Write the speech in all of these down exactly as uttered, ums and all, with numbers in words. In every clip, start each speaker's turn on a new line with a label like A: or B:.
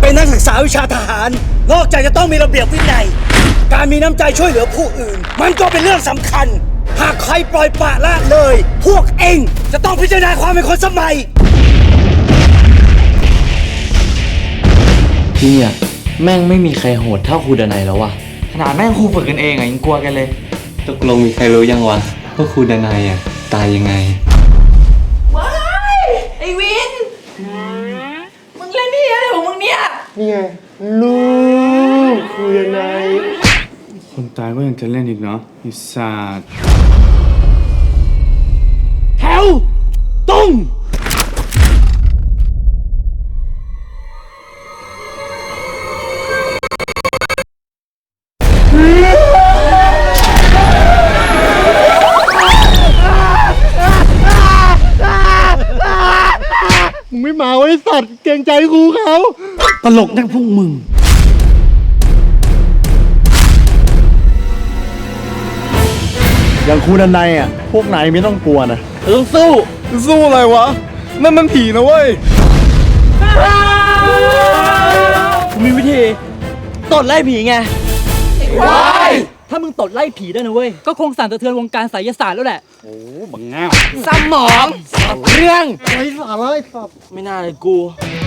A: เป็นนักศึกษาวิชาทหารนอกจากจะต้องมีระเบียบวินัยการมีน้ำใจช่วยเหลือผู้อื่นมันก็เป็นเรื่องสำคัญหากใครปล่อยปละละเลยพวกเองจะต้องพิจารณาความเป็นคนสมัย
B: พี่อะแม่งไม่มีใครโหดเท่าครูดนัยแล้ววะขนาดแม่งครูฝึกกันเองอะยังกลัวกันเลย
C: ตกลงมีใครรู้ยังวะว่าครูดนัยอะตายยังไง
D: ว้ายไอวินมึงเล่นนี่อะไรของมึงเนี่ย
E: นี่ไงลูกครูดนัย
F: คนตายก็ยังจะเล่นอีกเนาะไอ้สัตว์
A: แถวตรง
E: มึงไม่มาไว้สัตว์เกรงใจครูเขา
A: ตลกนักพวกมึง
E: อย่างครูดนัยอ่ะพวกนายไม่ต้องกลัวนะ
A: ต้องสู้
E: สู้อะไรวะนั่นมันผีนะเว้ย
A: มีวิธีตดไล่ผีไงว้ายถ้ามึงตดไล่ผีได้นะเว้ยก็คงสั่นสะเทือนวงการไสยศาสตร์แล้วแหละโอ้บังเงาสมองเรื่อง
E: ไร้สาระไอ้สัตว์
A: ไม่น่าเลยกู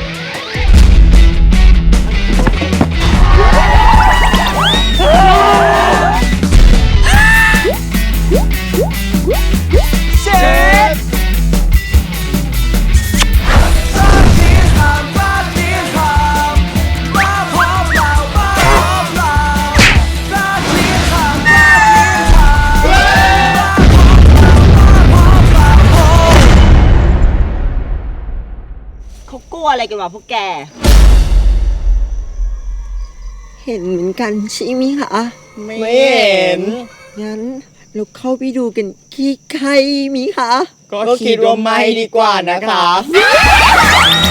D: เขากลัวอะไรกันวะพวกแกเห็นเหมือนกันใช่ไหมคะ
A: ไม่เห็น
D: งั้นเราเข้าไปดูกันขี้ใครมีคะ
A: ก็คิดว่าไม่ดีกว่านะคะ